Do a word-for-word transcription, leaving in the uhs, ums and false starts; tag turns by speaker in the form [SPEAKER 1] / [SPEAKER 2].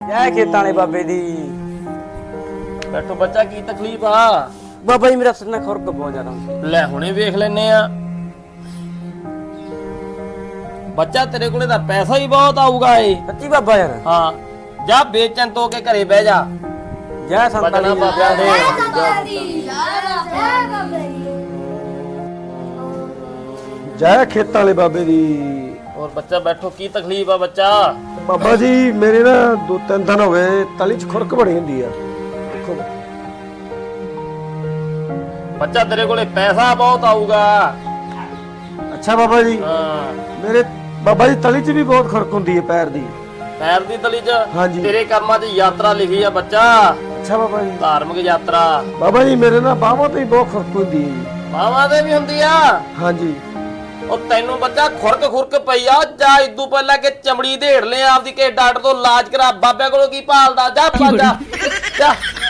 [SPEAKER 1] ਜੈ ਖੇਤਾਂ ਵਾਲੇ ਬਾਬੇ ਦੀ।
[SPEAKER 2] ਬੈਠੋ ਬੱਚਾ, ਕੀ ਤਕਲੀਫ ਆ?
[SPEAKER 1] ਬਾਬਾ ਜੀ ਮੇਰਾ ਸਿਰ ਨਾ ਖੁਰਕ ਬਹੁਤ ਜ਼ਿਆਦਾ ਹੁੰਦੀ।
[SPEAKER 2] ਲੈ ਹੁਣੇ ਵੇਖ ਲੈਨੇ ਆ। ਬੱਚਾ ਤੇਰੇ ਕੋਲੇ ਤਾਂ ਪੈਸਾ ਹੀ ਬਹੁਤ ਆਊਗਾ ਏ।
[SPEAKER 1] ਸੱਚੀ ਬਾਬਾ ਯਾਰ?
[SPEAKER 2] ਹਾਂ, ਜਾ ਵੇਚਣ ਤੋਂ ਕੇ ਘਰੇ ਬਹਿ ਜਾ।
[SPEAKER 1] ਜੈ ਸੰਤਾਂ
[SPEAKER 2] ਬਚਨਾ
[SPEAKER 1] ਦੀ।
[SPEAKER 2] ਬਾਬਿਆਂ ਦੇ।
[SPEAKER 3] ਜੈ ਖੇਤਾਂ ਵਾਲੇ ਬਾਬੇ ਦੀ।
[SPEAKER 2] ਹੋਰ ਬੱਚਾ ਬੈਠੋ, ਕੀ ਤਕਲੀਫ ਆ ਬੱਚਾ?
[SPEAKER 3] ਬਾਬਾ ਜੀ ਮੇਰੇ ਨਾ ਦੋ ਤਿੰਨ ਦਿਨ ਹੋ ਗਏ ਤਲੀ ਚ ਖੁਰਕ ਬੜੀ ਹੁੰਦੀ ਆ। ਦੇਖੋ
[SPEAKER 2] ਬੱਚਾ ਤੇਰੇ ਕੋਲੇ ਪੈਸਾ ਬਹੁਤ ਆਊਗਾ।
[SPEAKER 3] ਅੱਛਾ ਬਾਬਾ ਜੀ,
[SPEAKER 2] ਹਾਂ,
[SPEAKER 3] ਮੇਰੇ ਬਾਬਾ ਜੀ ਤਲੀ ਚ ਵੀ ਬਹੁਤ ਖੁਰਕ ਹੁੰਦੀ ਹੈ ਪੈਰ ਦੀ।
[SPEAKER 2] ਪੈਰ ਦੀ ਤਲੀ 'ਚ?
[SPEAKER 3] ਹਾਂਜੀ।
[SPEAKER 2] ਤੇਰੇ ਕਰਮਾਂ 'ਚ ਯਾਤਰਾ ਲਿਖੀ ਆ ਬੱਚਾ,
[SPEAKER 3] ਅੱਛਾ ਬਾਬਾ ਜੀ।
[SPEAKER 2] ਧਾਰਮਿਕ ਯਾਤਰਾ।
[SPEAKER 3] ਬਾਬਾ ਜੀ ਮੇਰੇ ਨਾ ਬਾਹਾਂ ਤੇ ਹੀ ਬਹੁਤ ਖੁਰਕ ਹੁੰਦੀ ਹੈ ਜੀ।
[SPEAKER 2] ਮਾਵਾਂ ਦੇ ਵੀ ਹੁੰਦੀ ਆ?
[SPEAKER 3] ਹਾਂਜੀ।
[SPEAKER 2] ਉਹ ਤੈਨੂੰ ਬੱਚਾ ਖੁਰਕ ਖੁਰਕ ਪਈ ਆ, ਜਾ ਇਦੋਂ ਪਹਿਲਾਂ ਕਿ ਚਮੜੀ ਢੇੜ ਲੈ ਆਪਦੀ, ਕੇ ਡਾਕਟਰ ਤੋਂ ਇਲਾਜ ਕਰਾ। ਬਾਬਿਆਂ ਕੋਲੋਂ ਕੀ ਭਾਲਦਾ? ਜਾ ਭੱਜ ਜਾ ਜਾ।